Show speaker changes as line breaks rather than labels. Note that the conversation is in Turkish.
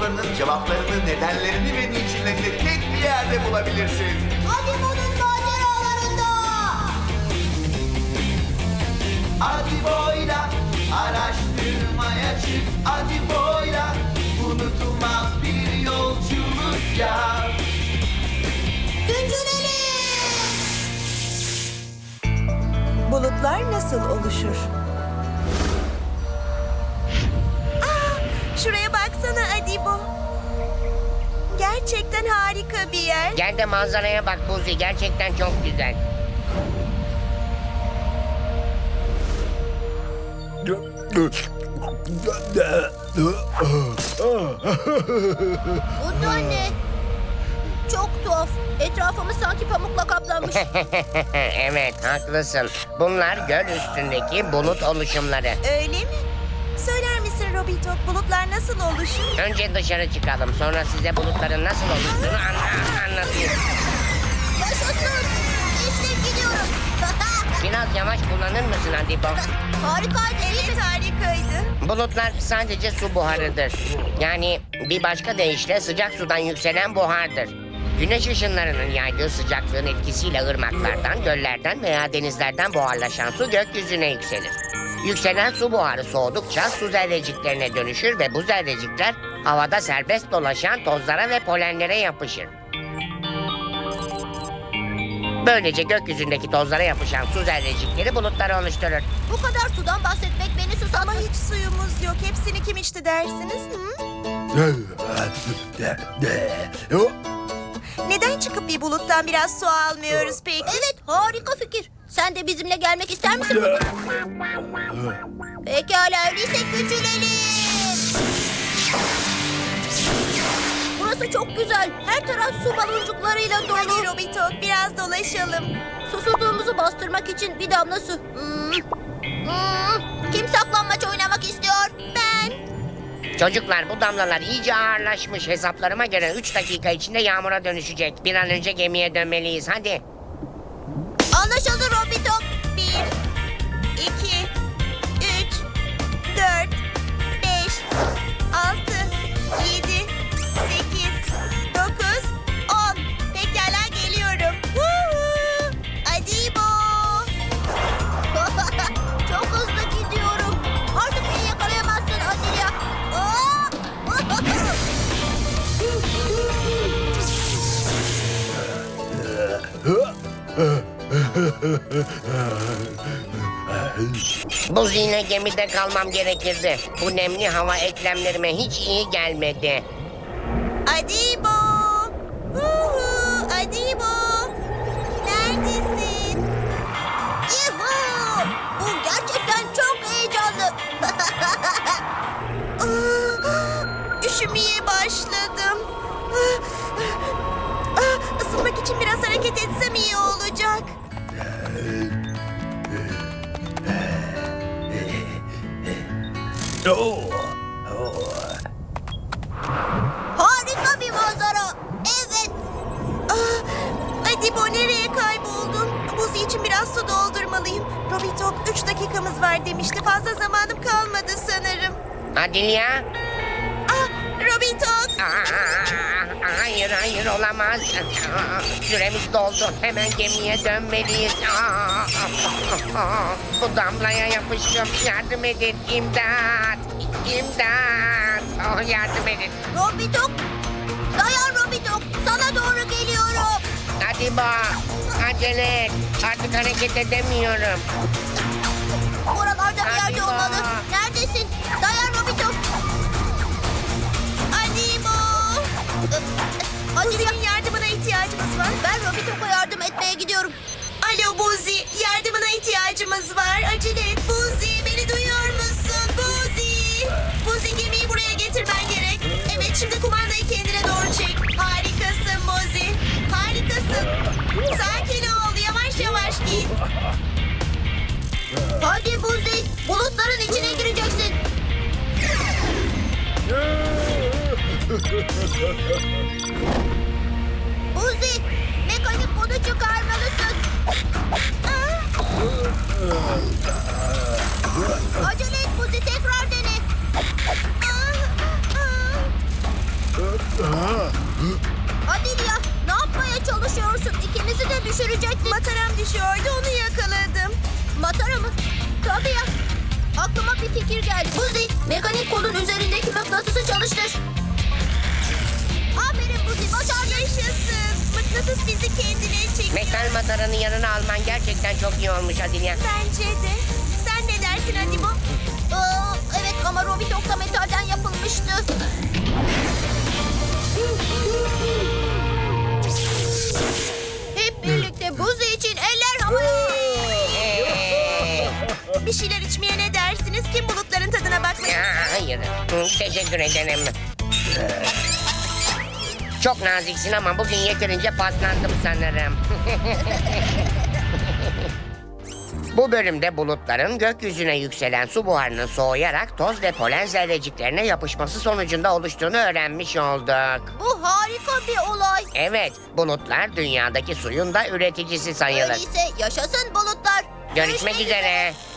sorularının cevaplarını, nedenlerini ve niçinlerini tek bir yerde bulabilirsin.
Adibo'nun maceralarında.
Adibo'yla araştırmaya çık. Adibo'yla unutulmaz bir yolculuk yap.
Güncelelim.
Bulutlar nasıl oluşur? Şuraya baksana Adibo. Gerçekten harika bir yer.
Gel de manzaraya bak Buzi. Gerçekten çok güzel.
Bu da ne? Çok tuhaf. Etrafımız sanki pamukla kaplanmış.
Evet, haklısın. Bunlar göl üstündeki bulut oluşumları.
Öyle mi? Söyler misin Robito, bulutlar nasıl oluşur?
Önce dışarı çıkalım. Sonra size bulutların nasıl oluştuğunu anlatayım.
Yaşasın. İşte gidiyoruz.
Biraz yavaş kullanır mısın Adibo?
Harikaydı.
Evet, harikaydı.
Bulutlar sadece su buharıdır. Yani bir başka deyişle sıcak sudan yükselen buhardır. Güneş ışınlarının yaydığı sıcaklığın etkisiyle ırmaklardan, göllerden veya denizlerden buharlaşan su gökyüzüne yükselir. Yükselen su buharı soğudukça su zerreciklerine dönüşür ve bu zerrecikler havada serbest dolaşan tozlara ve polenlere yapışır. Böylece gökyüzündeki tozlara yapışan su zerrecikleri bulutları oluşturur.
Bu kadar sudan bahsetmek beni
Ama
susattı.
hiç suyumuz yok. Hepsini kim içti dersiniz? Hı? Neden çıkıp bir buluttan biraz su almıyoruz peki?
Evet, harika fikir. Sen de bizimle gelmek ister misin? Pekala, öyleyse küçülelim. Burası çok güzel. Her taraf su baloncuklarıyla dolu.
Hadi Robito, biraz dolaşalım.
Susuzluğumuzu bastırmak için bir damla su. Kim saklanmaç oynamak istiyor? Ben.
Çocuklar, bu damlalar iyice ağırlaşmış. Hesaplarıma göre 3 dakika içinde yağmura dönüşecek. Bir an önce gemiye dönmeliyiz. Hadi.
Anlaşıldı Robito.
1, 2, 3, 4, 5, 6, 7, 8, 9, 10. Pekala geliyorum. Woohoo! Adibo!
Çok hızlı gidiyorum. Artık beni yakalayamazsın Adilia.
Bu zihne gemide kalmam gerekirdi. Bu nemli hava eklemlerime hiç iyi gelmedi.
Adibo! Woohoo! Adibo! Neredesin?
Yuhuu! Bu gerçekten çok heyecanlı.
Üşümeye başladım. Isınmak için biraz hareket etsem iyi olacak.
Harika bir manzara. Evet.
Adibo, nereye kayboldun? Buz için biraz su doldurmalıyım. Robitok 3 dakikamız var demişti. Fazla zamanım kalmadı sanırım.
Adilia?
Robitok!
Hayır olamaz. Süremiz doldu. Hemen gemiye dönmeliyiz. Bu damlaya yapıştım. Yardım edin. İmdat. Yardım edin.
Robitok. Dayan Robitok. Sana doğru geliyorum.
Hadi bak. Acele et. Artık hareket edemiyorum.
Oralarda bir yerde
Adibo.
olmalı. Neredesin? Dayan Robitok.
Adibo!
Adilia,
Buzi'nin yardımına ihtiyacımız var.
ben Robitok'a yardım etmeye gidiyorum.
Alo Buzi, yardımına ihtiyacımız var. Acele et Buzi, beni duyuyor musun? Buzi! Buzi, gemiyi buraya getirmen gerek. Evet, şimdi kumandayı kendine doğru çek. Harikasın Buzi, harikasın. Sakin ol, yavaş yavaş git.
Hadi Buzi, bulutların içine gireceksin. Buzi, mekanik modu çıkarmalısın. Acele et Buzi, tekrar dene. düşecektik.
Mataram düşüyordu, onu yakaladım.
Matara mı? Tabii ya. Aklıma bir fikir geldi. Buzi, mekanik kolun üzerindeki mıknatısı çalıştır. Aferin Buzi, başardın.
Yaşasın. Mıknatıs bizi kendine çekiyor.
Metal mataranın yanına alman gerçekten çok iyi olmuş Adilya.
Bence de. Sen ne dersin Hadibo?
Evet ama Robitok da metalden yapılmıştı. Hep birlikte Buzi için eller havaya.
Bir şeyler içmeye ne dersiniz? Kim bulutların tadına bakmayı?
Hayır. Teşekkür ederim. Çok naziksin ama bugün yeterince paslandım sanırım. Bu bölümde bulutların gökyüzüne yükselen su buharının soğuyarak toz ve polen zerreciklerine yapışması sonucunda oluştuğunu öğrenmiş olduk.
Bu harika bir olay.
Evet, bulutlar dünyadaki suyun da üreticisi sayılır.
Öyleyse yaşasın bulutlar.
Görüşmek üzere.